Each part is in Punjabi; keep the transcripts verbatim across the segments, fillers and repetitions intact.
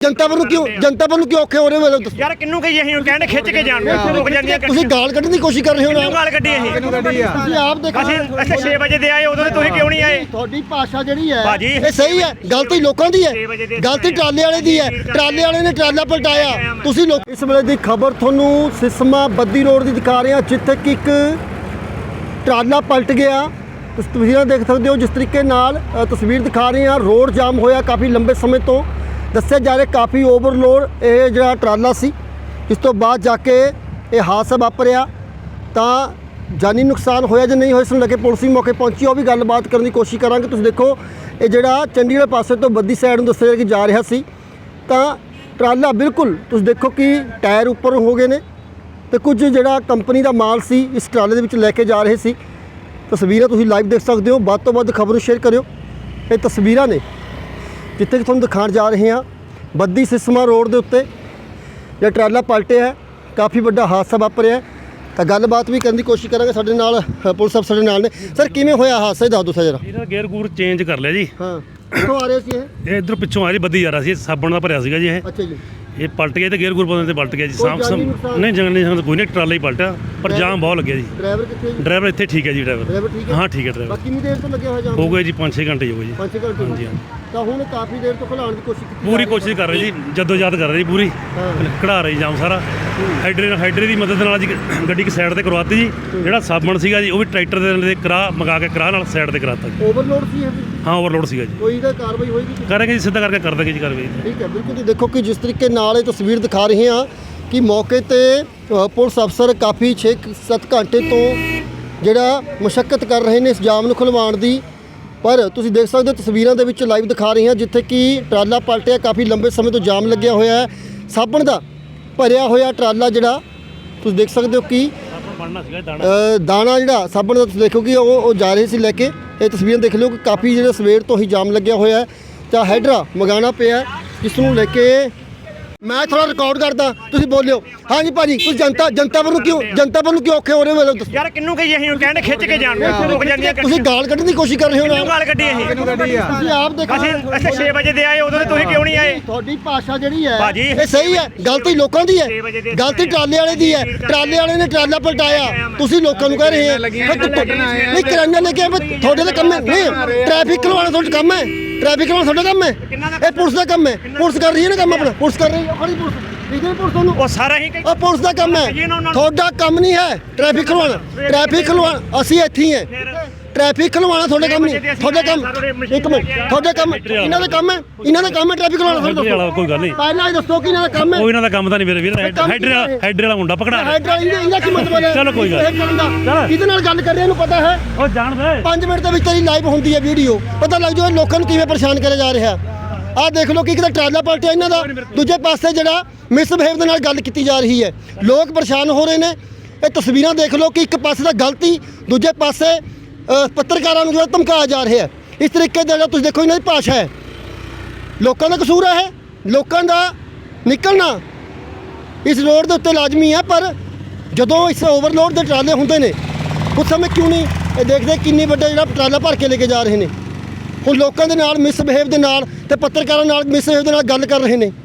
जनता वालों क्यों जनता वालों क्यों औखे हो रहे हो यार किन्नू कही ਅਸੀਂ ਕਹਿੰਦੇ ਖਿੱਚ ਕੇ ਜਾਣ ਨੂੰ ਰੁਕ ਜਾਂਦੀਆਂ ਤੁਸੀਂ ਗਾਲ ਕੱਢਣ ਦੀ ਕੋਸ਼ਿਸ਼ ਕਰ ਰਹੇ ਹੋ ਨਾ ਗਾਲ ਕੱਢੀ ਅਸੀਂ ਤੁਸੀਂ ਆਪ ਦੇਖੋ ਅਸੀਂ ਅਸੀਂ ਛੇ ਵਜੇ ਦੇ ਆਏ ਉਦੋਂ ਤੁਸੀਂ ਕਿਉਂ ਨਹੀਂ ਆਏ ਤੁਹਾਡੀ ਭਾਸ਼ਾ ਜਿਹੜੀ ਹੈ ਭਾਜੀ ਇਹ ਸਹੀ ਹੈ ਗਲਤੀ ਲੋਕਾਂ ਦੀ ਹੈ ਗਲਤੀ ਟਰਾਲੇ ਵਾਲੇ ਦੀ ਹੈ ਟਰਾਲੇ ਵਾਲੇ ਨੇ ਟਰਾਲਾ ਪਲਟਾਇਆ ਤੁਸੀਂ ਲੋਕ ਇਸ ਵੇਲੇ ਦੀ ਖਬਰ ਤੁਹਾਨੂੰ ਸਿਸਮਾ ਬੱਦੀ ਰੋਡ ਦੀ ਦਿਖਾ ਰਹੇ ਹਾਂ ਜਿੱਥੇ ਕਿ ਇੱਕ ਟਰਾਲਾ ਪਲਟ ਗਿਆ ਤੁਸੀਂ ਤਸਵੀਰਾਂ ਦੇਖ ਸਕਦੇ ਹੋ ਜਿਸ ਤਰੀਕੇ ਨਾਲ ਅ, ਤਸਵੀਰ ਦਿਖਾ ਰਹੇ ਹਾਂ ਰੋਡ ਜਾਮ ਹੋਇਆ ਕਾਫੀ ਲੰਬੇ ਸਮੇਂ ਤੋਂ ਦੱਸਿਆ ਜਾ ਰਿਹਾ ਕਾਫੀ ਓਵਰਲੋਡ ਇਹ ਜਿਹੜਾ ਟਰਾਲਾ ਸੀ ਇਸ ਤੋਂ ਬਾਅਦ ਜਾ ਕੇ ਇਹ ਹਾਦਸਾ ਵਾਪਰਿਆ ਤਾਂ ਜਾਨੀ ਨੁਕਸਾਨ ਹੋਇਆ ਜਾਂ ਨਹੀਂ ਹੋਇਆ ਇਸ ਨੂੰ ਲੈ ਕੇ ਪੁਲਿਸ ਵੀ ਮੌਕੇ ਪਹੁੰਚੀ ਉਹ ਵੀ ਗੱਲਬਾਤ ਕਰਨ ਦੀ ਕੋਸ਼ਿਸ਼ ਕਰਾਂਗੇ ਤੁਸੀਂ ਦੇਖੋ ਇਹ ਜਿਹੜਾ ਚੰਡੀਗੜ੍ਹ ਪਾਸੇ ਤੋਂ ਬੱਦੀ ਸਾਈਡ ਨੂੰ ਦੱਸਿਆ ਕਿ ਜਾ ਰਿਹਾ ਸੀ ਤਾਂ ਟਰਾਲਾ ਬਿਲਕੁਲ ਤੁਸੀਂ ਦੇਖੋ ਕਿ ਟਾਇਰ ਉੱਪਰ ਹੋ ਗਏ ਨੇ ਤੇ ਕੁਝ ਜਿਹੜਾ ਕੰਪਨੀ ਦਾ ਮਾਲ ਸੀ ਇਸ ਟਰਾਲੇ ਦੇ ਵਿੱਚ ਲੈ ਕੇ ਜਾ ਰਹੇ ਸੀ ਤਸਵੀਰਾਂ ਤੁਸੀਂ ਲਾਈਵ ਦੇਖ ਸਕਦੇ ਹੋ ਵੱਧ ਤੋਂ ਵੱਧ ਖਬਰ ਨੂੰ ਸ਼ੇਅਰ ਕਰਿਓ ਇਹ ਤਸਵੀਰਾਂ ਨੇ ਜਿੱਥੇ ਕਿ ਤੁਹਾਨੂੰ ਦਿਖਾਉਣ ਜਾ ਰਹੇ ਹਾਂ ਬੱਦੀ ਸਿਸਮਾ ਰੋਡ ਦੇ ਉੱਤੇ ਜਿਹੜਾ ਟਰਾਲਾ ਪਲਟਿਆ ਹੈ ਕਾਫੀ ਵੱਡਾ ਹਾਦਸਾ ਵਾਪਰਿਆ ਤਾਂ ਗੱਲਬਾਤ ਵੀ ਕਰਨ ਦੀ ਕੋਸ਼ਿਸ਼ ਕਰਾਂਗੇ ਸਾਡੇ ਨਾਲ ਅ, ਪੁਲਿਸ ਅਫਸਰ ਦੇ ਨਾਲ ਨੇ ਸਰ ਕਿਵੇਂ ਹੋਇਆ ਹਾਦਸਾ ਇਹ ਦੱਸ ਦਿਓ ਜਰਾ ਇਹਦਾ ਗੇਅਰ ਗੂਰ ਚੇਂਜ ਕਰ ਲਿਆ ਜੀ ਹਾਂ ਕਿੱਥੋਂ ਆ ਰਹੇ ਸੀ ਇਹ ਇਹ ਇਧਰ ਪਿੱਛੋਂ ਆ ਰਹੀ ਬੱਦੀ ਜਾ ਰਿਹਾ ਸੀ ਸਾਬਣ ਦਾ ਭਰਿਆ ਸੀਗਾ ਜੀ ਇਹ ਅੱਛਾ ਜੀ ਇਹ ਪਲਟ ਗਿਆ ਤੇ ਗੇਅਰ ਗੂਰ ਪਾਉਂਦੇ ਤੇ ਪਲਟ ਗਿਆ ਜੀ ਕੋਈ ਸਾਮ ਜਾਨੀ ਨੁਕਸਾਨ? ਨਹੀਂ ਜੰਗਲ ਨਹੀਂ ਕੋਈ ਨਹੀਂ ਟਰਾਲਾ ਹੀ ਪਲਟਿਆ ਪਰ ਜਾਮ ਬਹੁਤ ਲੱਗਿਆ ਜੀ ਡਰਾਈਵਰ ਕਿੱਥੇ ਹੈ ਜੀ ਡਰਾਈਵਰ ਇੱਥੇ ਠੀਕ ਹੈ ਜੀ ਡਰਾਈਵਰ ਡਰਾਈਵਰ ਠੀਕ ਹੈ ਹਾਂ ਠੀਕ ਹੈ ਡਰਾਈਵਰ ਬਾਕੀ ਕਿੰਨੀ ਦੇਰ ਤੋਂ ਲੱਗਿਆ ਹੋਇਆ ਜਾਮ ਹੋ ਗਏ ਜੀ ਪੰਜ ਛੇ ਘੰਟੇ ਹੋ ਗਏ ਜੀ ਪੰਜ ਛੇ ਘੰਟੇ ਹਾਂਜੀ, ਹਾਂਜੀ। ਤਾਂ ਹੁਣ ਕਾਫੀ ਦੇਰ ਤੋਂ ਖਲਾਉਣ ਦੀ ਕੋਸ਼ਿਸ਼ ਕੀਤੀ ਪੂਰੀ ਕੋਸ਼ਿਸ਼ ਕਰ ਰਹੇ ਜੀ ਜਦੋਂ ਯਾਦ ਕਰ ਰਹੇ ਜੀ ਪੂਰੀ ਹਾਂ। ਕਢਾ ਰਹੇ ਜਾਮ ਸਾਰਾ ਹਾਈਡਰੇ ਨਾਲ ਹਾਈਡਰੇ ਦੀ ਮਦਦ ਨਾਲ ਜੀ ਗੱਡੀ ਇੱਕ ਸਾਈਡ ਤੇ ਕਰਵਾਤੀ ਜੀ ਜਿਹੜਾ ਸਾਬਣ ਸੀਗਾ ਜੀ ਉਹ ਵੀ ਟਰੈਕਟਰ ਦੇ ਕਰਾ ਮੰਗਾ ਕੇ ਕਰਾ ਨਾਲ ਸਾਈਡ ਤੇ ਕਰਾਤਾ ਜੀ ਓਵਰਲੋਡ ਸੀ ਇਹ ਵੀ? ਹਾਂ ਓਵਰਲੋਡ ਸੀਗਾ ਜੀ ਕੋਈ ਇਹਦਾ ਕਾਰਵਾਈ ਹੋਏਗੀ ਕਰਾਂਗੇ ਜੀ ਸਿੱਧਾ ਕਰਕੇ ਕਰ ਦਾਂਗੇ ਜੀ ਕਾਰਵਾਈ ਠੀਕ ਹੈ ਬਿਲਕੁਲ ਜੀ ਦੇਖੋ ਕਿ ਜਿਸ ਤਰੀਕੇ ਨਾਲ ਇਹ ਤਸਵੀਰ ਦਿਖਾ ਰਹੇ ਹਾਂ ਕਿ ਮੌਕੇ ਤੇ ਅ, ਪੁਲਿਸ ਅਫਸਰ ਕਾਫੀ ਛੇ ਸੱਤ ਘੰਟੇ ਤੋਂ ਜਿਹੜਾ ਮੁਸ਼ੱਕਤ ਕਰ ਰਹੇ ਨੇ ਇਸ ਜਾਮ ਨੂੰ ਖੁਲਵਾਉਣ ਦੀ ਪਰ ਤੁਸੀਂ ਦੇਖ ਸਕਦੇ ਹੋ ਤਸਵੀਰਾਂ ਦੇ ਵਿੱਚ ਲਾਈਵ ਦਿਖਾ ਰਹੇ ਹਾਂ ਜਿੱਥੇ ਕਿ ਟਰਾਲਾ ਪਲਟਿਆ ਕਾਫੀ ਲੰਬੇ ਸਮੇਂ ਤੋਂ ਜਾਮ ਲੱਗਿਆ ਹੋਇਆ ਹੈ ਸਾਬਣ ਦਾ ਭਰਿਆ ਹੋਇਆ ਟਰਾਲਾ ਜਿਹੜਾ ਤੁਸੀਂ ਦੇਖ ਸਕਦੇ ਹੋ ਕਿ ਆਪਾਂ ਬਣਨਾ ਸੀਗਾ ਦਾਣਾ ਅ, ਦਾਣਾ ਜਿਹੜਾ ਸਾਬਣ ਦਾ ਤੁਸੀਂ ਦੇਖੋ ਕਿ ਉਹ ਉਹ ਜਾ ਰਹੇ ਸੀ ਲੈ ਕੇ ਇਹ ਤਸਵੀਰਾਂ ਦੇਖ ਲਿਓ ਕਿ ਕਾਫੀ ਜਿਹੜਾ ਸਵੇਰ ਤੋਂ ਹੀ ਜਾਮ ਲੱਗਿਆ ਹੋਇਆ ਹੈ ਤਾਂ ਹੈਡਰਾ ਮੰਗਾਉਣਾ ਪਿਆ ਜਿਸ ਨੂੰ ਲੈ ਕੇ ਮੈਂ ਥੋੜਾ ਰਿਕਾਰਡ ਕਰਦਾ ਤੁਸੀਂ ਬੋਲਿਓ ਹਾਂਜੀ ਭਾਜੀ ਤੁਸੀਂ ਜਨਤਾ ਜਨਤਾ ਵੱਲੋਂ ਕਿਉਂ ਜਨਤਾ ਵੱਲੋਂ ਕਿਉਂ ਔਖੇ ਹੋ ਰਹੇ ਹੋ ਯਾਰ ਕਿੰਨੂ ਕਹੀ ਅਸੀਂ ਕਹਿੰਦੇ ਖਿੱਚ ਕੇ ਜਾਣ ਨੂੰ ਰੁਕ ਜਾਂਦੀਆਂ ਤੁਸੀਂ ਗਾਲ ਕੱਢਣ ਦੀ ਕੋਸ਼ਿਸ਼ ਕਰ ਰਹੇ ਹੋ ਨਾ ਗਾਲ ਕੱਢੀ ਅਸੀਂ ਤੁਸੀਂ ਆਪ ਦੇਖੋ ਅਸੀਂ ਅਸੀਂ ਛੇ ਵਜੇ ਦੇ ਆਏ ਉਦੋਂ ਤੁਸੀਂ ਕਿਉਂ ਨਹੀਂ ਆਏ ਤੁਹਾਡੀ ਭਾਸ਼ਾ ਜਿਹੜੀ ਹੈ ਭਾਜੀ ਇਹ ਸਹੀ ਹੈ ਗਲਤੀ ਲੋਕਾਂ ਦੀ ਹੈ ਗਲਤੀ ਟਰਾਲੇ ਵਾਲੇ ਦੀ ਹੈ ਟਰਾਲੇ ਵਾਲੇ ਨੇ ਟਰਾਲਾ ਪਲਟਾਇਆ ਤੁਸੀਂ ਲੋਕਾਂ ਨੂੰ ਕਹਿ ਰਹੇ ਹੋ ਨਹੀਂ ਕਰਾਨਾ ਲੈ ਕੇ ਆਏ, ਤੁਹਾਡੇ ਦਾ ਕੰਮ ਹੈ ਨਹੀਂ ਟ੍ਰੈਫਿਕ ਖਲਵਾਉਣਾ ਤੁਹਾਡਾ ਕੰਮ ਹੈ ਟ੍ਰੈਫਿਕ ਖਲਵਾਉਣਾ ਤੁਹਾਡਾ ਕੰਮ ਹੈ ਇਹ ਪੁਲਿਸ ਦਾ ਕੰਮ ਹੈ ਪੁਲਿਸ ਕਰ ਰਹੀ ਹੈ ਨਾ ਕੰਮ ਆਪਣਾ ਪੁਲਿਸ ਕਰ ਰਹੀ ਹੈ ਖੜੀ ਪੁਲਿਸ ਠੀਕ ਹੈ ਪੁਲਿਸ ਤੁਹਾਨੂੰ ਉਹ ਸਾਰਾ ਹੀ ਉਹ ਪੁਲਿਸ ਦਾ ਕੰਮ ਹੈ ਤੁਹਾਡਾ ਕੰਮ ਨਹੀਂ ਹੈ ਟ੍ਰੈਫਿਕ ਖਲਵਾਉਣਾ ਟ੍ਰੈਫਿਕ ਖਲਵਾਉਣਾ ਅਸੀਂ ਇੱਥੇ ਹੀ ਹੈ ਟ੍ਰੈਫਿਕ ਖਲਵਾਉਣਾ ਤੁਹਾਡਾ ਕੰਮ ਨਹੀਂ ਤੁਹਾਡਾ ਕੰਮ ਇੱਕ ਮਿੰਟ ਤੁਹਾਡਾ ਕੰਮ ਇਹਨਾਂ ਦਾ ਕੰਮ ਹੈ ਇਹਨਾਂ ਦਾ ਕੰਮ ਹੈ ਟ੍ਰੈਫਿਕ ਖਲਵਾਉਣਾ ਹਾਈਡਰੇ ਵਾਲਾ ਕੋਈ ਗੱਲ ਨਹੀਂ ਪਹਿਲਾਂ ਇਹ ਦੱਸੋ ਕਿ ਇਹਨਾਂ ਦਾ ਕੰਮ ਹੈ ਉਹ ਇਹਨਾਂ ਦਾ ਕੰਮ ਤਾਂ ਨਹੀਂ ਮੇਰੇ ਵੀਰ ਹਾਈਡਰੇ ਹਾਈਡਰੇ ਵਾਲਾ ਮੁੰਡਾ ਪਕੜਾ ਹਾਈਡਰਾ ਇਹਦਾ ਕੀ ਮਤਲਬ ਹੈ ਚਲੋ ਕੋਈ ਗੱਲ ਇਹ ਕਰਨ ਦਾ। ਕਿਹਦੇ ਨਾਲ ਗੱਲ ਕਰ ਰਹੇ ਇਹਨੂੰ ਪਤਾ ਹੈ ਉਹ ਜਾਣਦਾ ਪੰਜ ਮਿੰਟ ਦੇ ਵਿੱਚ ਤੇਰੀ ਲਾਈਵ ਹੁੰਦੀ ਹੈ ਵੀਡੀਓ ਪਤਾ ਲੱਗ ਜਾਊ ਇਹ ਲੋਕਾਂ ਨੂੰ ਕਿਵੇਂ ਪਰੇਸ਼ਾਨ ਕਰਿਆ ਜਾ ਰਿਹਾ ਆਹ ਦੇਖ ਲਓ ਕਿ ਇੱਕ ਤਾਂ ਟਰਾਲਾ ਪਲਟਿਆ ਇਹਨਾਂ ਦਾ ਦੂਜੇ ਪਾਸੇ ਜਿਹੜਾ ਮਿਸਬਿਹੇਵ ਦੇ ਨਾਲ ਗੱਲ ਕੀਤੀ ਜਾ ਰਹੀ ਹੈ ਲੋਕ ਪਰੇਸ਼ਾਨ ਹੋ ਰਹੇ ਨੇ ਇਹ ਤਸਵੀਰਾਂ ਦੇਖ ਲਓ ਕਿ ਇੱਕ ਪਾਸੇ ਦਾ ਗਲਤੀ ਦੂਜੇ ਪਾਸੇ ਅ, ਪੱਤਰਕਾਰਾਂ ਨੂੰ ਜਿਹੜਾ ਧਮਕਾਇਆ ਜਾ ਰਿਹਾ ਹੈ ਇਸ ਤਰੀਕੇ ਦਾ ਜਿਹੜਾ ਤੁਸੀਂ ਦੇਖੋ ਇਹਨਾਂ ਦੀ ਭਾਸ਼ਾ ਹੈ ਲੋਕਾਂ ਦਾ ਕਸੂਰ ਹੈ ਇਹ ਲੋਕਾਂ ਦਾ ਨਿਕਲਣਾ ਇਸ ਰੋਡ ਦੇ ਉੱਤੇ ਲਾਜ਼ਮੀ ਹੈ ਪਰ ਜਦੋਂ ਇਸ ਓਵਰਲੋਡ ਦੇ ਟਰਾਲੇ ਹੁੰਦੇ ਨੇ ਉਸ ਸਮੇਂ ਕਿਉਂ ਨਹੀਂ ਇਹ ਦੇਖਦੇ ਕਿੰਨੀ ਵੱਡਾ ਜਿਹੜਾ ਟਰਾਲਾ ਭਰ ਕੇ ਲੈ ਕੇ ਜਾ ਰਹੇ ਨੇ ਹੁਣ ਲੋਕਾਂ ਦੇ ਨਾਲ ਮਿਸਬਿਹੇਵ ਦੇ ਨਾਲ ਤੇ ਪੱਤਰਕਾਰਾਂ ਨਾਲ ਮਿਸਬਿਹੇਵ ਦੇ ਨਾਲ ਗੱਲ ਕਰ ਰਹੇ ਨੇ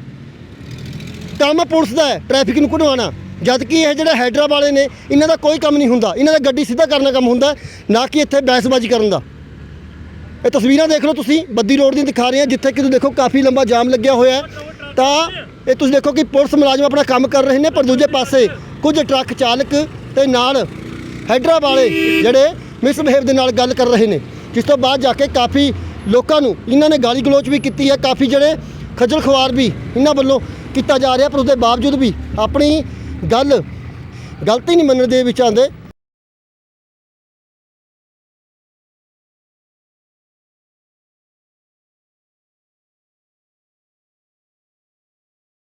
ਕੰਮ ਪੁਲਿਸ ਦਾ ਹੈ ਟ੍ਰੈਫਿਕ ਨੂੰ ਘਟਵਾਉਣਾ ਜਦ ਕਿ ਇਹ ਜਿਹੜੇ ਹੈਡਰਾ ਵਾਲੇ ਨੇ ਇਹਨਾਂ ਦਾ ਕੋਈ ਕੰਮ ਨਹੀਂ ਹੁੰਦਾ ਇਹਨਾਂ ਦਾ ਗੱਡੀ ਸਿੱਧਾ ਕਰਨ ਦਾ ਕੰਮ ਹੁੰਦਾ ਨਾ ਕਿ ਇੱਥੇ ਬਹਿਸਬਾਜ਼ੀ ਕਰਨ ਦਾ ਇਹ ਤਸਵੀਰਾਂ ਦੇਖ ਲਓ ਤੁਸੀਂ ਬੱਦੀ ਰੋਡ ਦੀਆਂ ਦਿਖਾ ਰਹੇ ਹਾਂ ਜਿੱਥੇ ਕਿ ਤੁਸੀਂ ਦੇਖੋ ਕਾਫੀ ਲੰਬਾ ਜਾਮ ਲੱਗਿਆ ਹੋਇਆ ਹੈ ਤਾਂ ਇਹ ਤੁਸੀਂ ਦੇਖੋ ਕਿ ਪੁਲਿਸ ਮੁਲਾਜ਼ਮ ਆਪਣਾ ਕੰਮ ਕਰ ਰਹੇ ਨੇ ਪਰ ਦੂਜੇ ਪਾਸੇ ਕੁਝ ਟਰੱਕ ਚਾਲਕ ਤੇ ਨਾਲ ਹੈਡਰਾ ਵਾਲੇ ਜਿਹੜੇ ਮਿਸਬਿਹੇਵ ਦੇ ਨਾਲ ਗੱਲ ਕਰ ਰਹੇ ਨੇ ਜਿਸ ਤੋਂ ਬਾਅਦ ਜਾ ਕੇ ਕਾਫੀ ਲੋਕਾਂ ਨੂੰ ਇਹਨਾਂ ਨੇ ਗਾਲੀ ਗਲੋਚ ਵੀ ਕੀਤੀ ਹੈ ਕਾਫੀ ਜਿਹੜੇ ਖੱਜਲ ਖੁਆਰ ਵੀ ਇਹਨਾਂ ਵੱਲੋਂ ਕੀਤਾ ਜਾ ਰਿਹਾ ਪਰ ਉਸ ਦੇ ਬਾਵਜੂਦ ਵੀ ਆਪਣੀ ਗੱਲ ਗਲਤੀ ਨਹੀਂ ਮੰਨਣ ਦੇ ਵਿੱਚ ਆਉਂਦੇ